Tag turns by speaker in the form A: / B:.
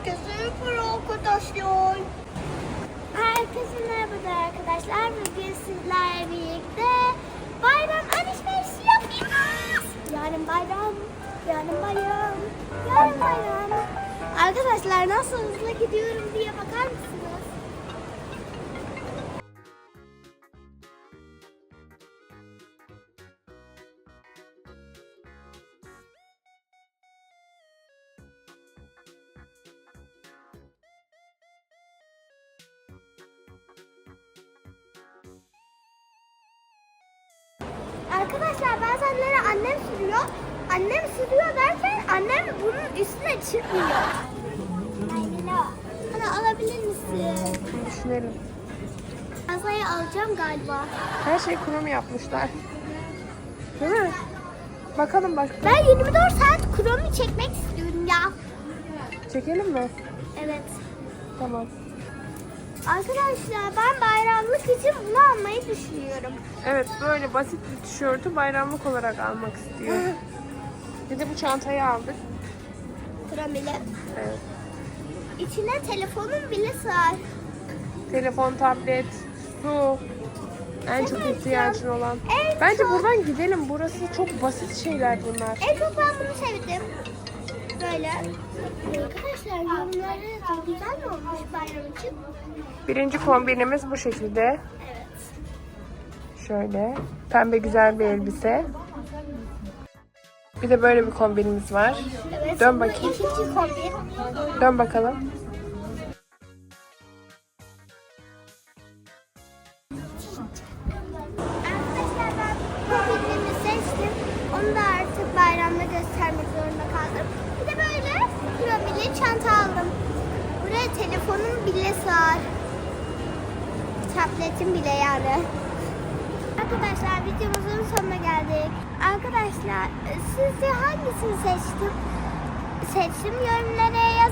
A: Herkese arkadaşlar. Herkese merhaba arkadaşlar. Bugün sizlerle birlikte bayram alışverişi yapıyoruz. Yarın bayram. Arkadaşlar nasıl hızlı gidiyorum diye bakar mısınız? Arkadaşlar bazenleri annem sürüyor. Annem sürüyor derken annem bunun üstüne çıkmıyor. Bana alabilir misin?
B: Düşünelim.
A: Masayı alacağım galiba.
B: Her şey kurum yapmışlar. Değil mi? Bakalım bak.
A: Ben 24 saat kromi çekmek istiyorum ya.
B: Çekelim mi?
A: Evet.
B: Tamam.
A: Arkadaşlar ben bayramlık için bunu almayı düşünüyorum.
B: Evet, böyle basit bir tişörtü bayramlık olarak almak istiyor. Bir de bu çantayı aldık.
A: Kromili.
B: Evet.
A: İçine telefonum bile sığar.
B: Telefon, tablet, su. En çok ihtiyacın olan.
A: En
B: Bence
A: çok-
B: buradan gidelim. Burası çok basit şeyler bunlar.
A: En çok ben bunu sevdim. Böyle. Arkadaşlar yorumları yazın. Güzel mi olmuş bayram için?
B: Birinci kombinimiz bu şekilde.
A: Evet.
B: Şöyle. Pembe güzel bir elbise. Bir de böyle bir kombinimiz var.
A: Evet.
B: Dön
A: bu
B: bakayım.
A: İkinci kombin.
B: Dön bakalım.
A: Arkadaşlar ben kombinimi seçtim. Onu da artık bayramda göstermek zorunda kaldım. Bir de böyle kromili çanta aldım. Buraya telefonum bile sığar. Tabletim bile yani. Arkadaşlar videomuzun sonuna geldik. Arkadaşlar sizce hangisini seçtim? Yorumlara